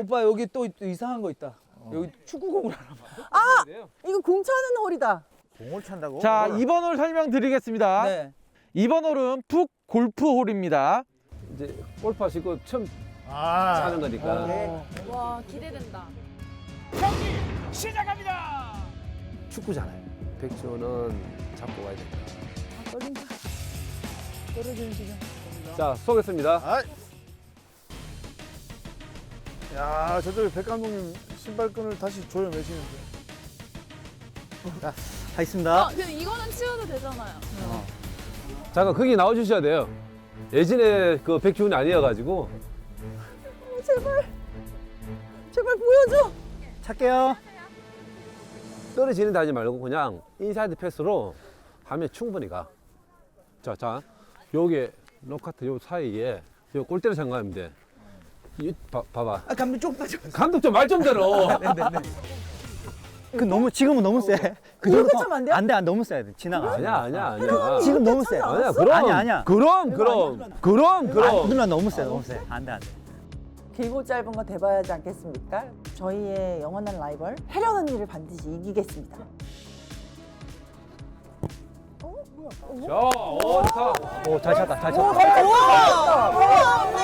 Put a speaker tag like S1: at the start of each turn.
S1: 오빠 여기 또 이상한 거 있다. 여기 축구공을 하나 봐.
S2: 아! 이거 공 차는 홀이다.
S3: 공을 찬다고?
S4: 자, 2번 홀 설명드리겠습니다.
S1: 네.
S4: 2번 홀은 푹 골프 홀입니다.
S5: 이제 골프 하시고 처음
S3: 아.
S5: 차는 거니까.
S6: 와 기대된다.
S5: 축구잖아요. 백지호는 잡고 가야 된다.
S1: 떨린다. 떨어지는 시간.
S5: 자, 쏘겠습니다.
S3: 아이. 야, 저쪽에 백 감독님 신발끈을 다시 조여 매시는데.
S7: 하겠습니다.
S6: 근데 이거는 치워도 되잖아요.
S5: 잠깐 거기 나와주셔야 돼요. 예전에 그 백지훈이 아니어가지고.
S2: 제발 보여줘.
S7: 찰게요.
S5: 떨어지는 데 하지 말고 그냥 인사이드 패스로 하면 충분히 가. 자, 여기 로카트 요 사이에 요 골대로 생각하면 돼. 봐봐.
S1: 아 감독 조금 더.
S5: 감독 좀 말 좀 들어.
S7: 그 너무 지금은 너무 세. 그
S2: 이렇게
S7: 정도
S2: 차면 안 돼요?
S7: 안 돼, 너무 세야 돼. 지나가.
S5: 아니야.
S7: 지금 너무 세.
S5: 아니야, 그럼.
S7: 아니야.
S5: 그럼.
S7: 누나 너무 세, 너무 세. 안 돼, 안 돼.
S2: 길고 짧은 거 대봐야 하지 않겠습니까? 저희의 영원한 라이벌 혜련 언니를 반드시 이기겠습니다.
S5: 자, 좋다.
S7: 오, 잘 찼다, 잘
S2: 오,
S7: 찼다.
S2: 잘 찼다. 우와, 언니.